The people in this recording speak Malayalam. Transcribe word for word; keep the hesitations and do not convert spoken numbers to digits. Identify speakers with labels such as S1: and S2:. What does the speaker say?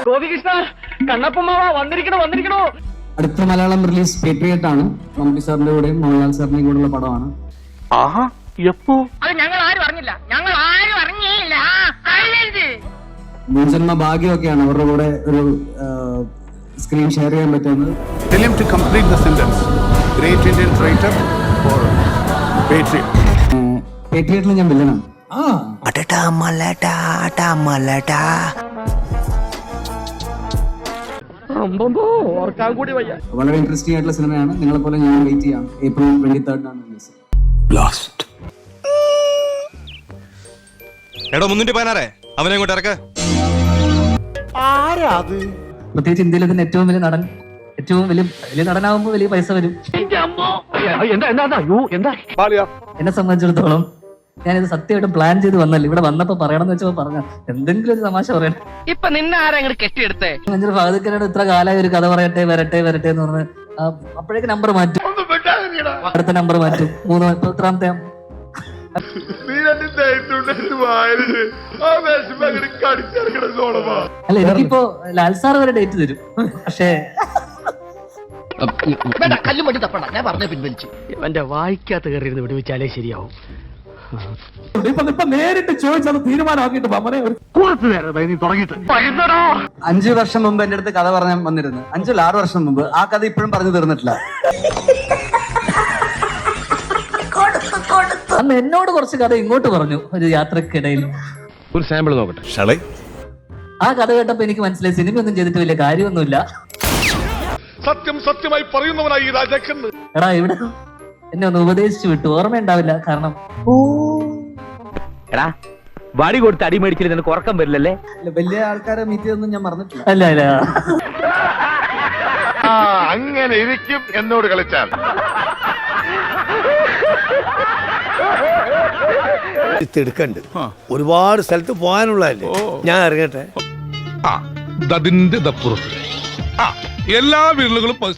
S1: അടുത്ത മലയാളം റിലീസ് പേട്രിയറ്റ് ആണ്. മമ്മൂട്ടി സാറിന്റെ കൂടെയും മോഹൻലാൽ സാറിന്റെയും കൂടെയുള്ള പടമാണ്. മുൻജന്മ ഭാഗ്യമൊക്കെയാണ് അവരുടെ കൂടെ ഒരു സ്ക്രീൻ ഷെയർ ചെയ്യാൻ പറ്റുന്നത്. പേട്രിയറ്റിൽ ഞാൻ വില്ലനാണ്. വളരെ ഇൻട്രസ്റ്റിംഗ് ആയിട്ടുള്ള സിനിമയാണ്. നിങ്ങളെ പോലെ ഞാൻ വെയിറ്റ് ചെയ്യാം. ഏപ്രിൽ ട്വന്റി തേർഡിനാണ് റിലീസ്.
S2: അവനെ ഇങ്ങോട്ട് ഇറക്ക.
S1: പ്രത്യേകിച്ച് ഇന്ത്യയിലെ തന്നെ ഏറ്റവും വലിയ നടൻ, ഏറ്റവും വലിയ വലിയ നടനാകുമ്പോൾ വലിയ പൈസ വരും. എന്നെ സംബന്ധിച്ചിടത്തോളം ഞാനിത് സത്യമായിട്ടും പ്ലാൻ ചെയ്ത് വന്നല്ല. ഇവിടെ വന്നപ്പോ പറയണമെന്ന് വെച്ചപ്പോ പറഞ്ഞ എന്തെങ്കിലും ഒരു തമാശ പറയണം.
S3: ഇപ്പൊ നിന്നെ ആരെങ്കിലും കെട്ടിയെടുത്തേ
S1: ഫാദുക്കനോട് ഇത്ര കാലമായി ഒരു കഥ പറയട്ടെ വരട്ടെ വരട്ടെ എന്ന് പറഞ്ഞ് അപ്പോഴേക്ക് നമ്പർ മാറ്റും. അടുത്ത നമ്പർ മാറ്റും. മൂന്ന് എത്രാമത്തെ അല്ല എനിക്കിപ്പോ ലാൽ സാർ വരെ ഡേറ്റ് തരും. പക്ഷേ
S3: കല്ലും മട്ടി തപ്പണ്ട, ഞാൻ പറഞ്ഞ പിൻവലിച്ചു. എന്റെ വായിക്കാത്ത കയറി വിടുവിച്ചാലേ ശരിയാവും.
S1: നേരിട്ട് ചോദിച്ചത് തീരുമാനമാക്കിട്ട് അഞ്ചു വർഷം മുമ്പ് എന്റെ അടുത്ത് കഥ പറഞ്ഞാൽ വന്നിരുന്നു. അഞ്ചല്ല ആറു വർഷം മുമ്പ്. ആ കഥ ഇപ്പോഴും പറഞ്ഞു തീർന്നിട്ടില്ല. അന്ന് എന്നോട് കുറച്ച് കഥ ഇങ്ങോട്ട് പറഞ്ഞു ഒരു യാത്രക്കിടയിൽ.
S2: ഒരു സാമ്പിൾ നോക്കട്ടെ.
S1: ആ കഥ കേട്ടപ്പോ എനിക്ക് മനസ്സിലായി സിനിമയൊന്നും ചെയ്തിട്ട് വലിയ കാര്യമൊന്നുമില്ല.
S2: സത്യം സത്യമായി പറയുന്നവനായി രാജാക്കൻ.
S1: എടാ ഇവിടെ എന്നെ ഒന്ന് ഉപദേശിച്ചു വിട്ടു. ഓർമ്മയുണ്ടാവില്ല. കാരണം
S3: എടാ വടി കൊടുത്ത് അടി മേടിച്ചില്ല നിനക്ക് ഉറക്കം വരില്ലല്ലേ?
S1: വലിയ ആൾക്കാരെ മീറ്റ് ചെയ്തൊന്നും ഞാൻ മറന്നിട്ടില്ല. അല്ല അല്ല
S2: അങ്ങനെ ഇരിക്കും എന്നോട് കളിച്ചാൽ.
S4: എടുക്കണ്ട് ഒരുപാട് സ്ഥലത്ത് പോകാനുള്ളതല്ലേ. ഞാൻ ഇറങ്ങട്ടെ.
S2: അതിന്റെ എല്ലാ വീടുകളും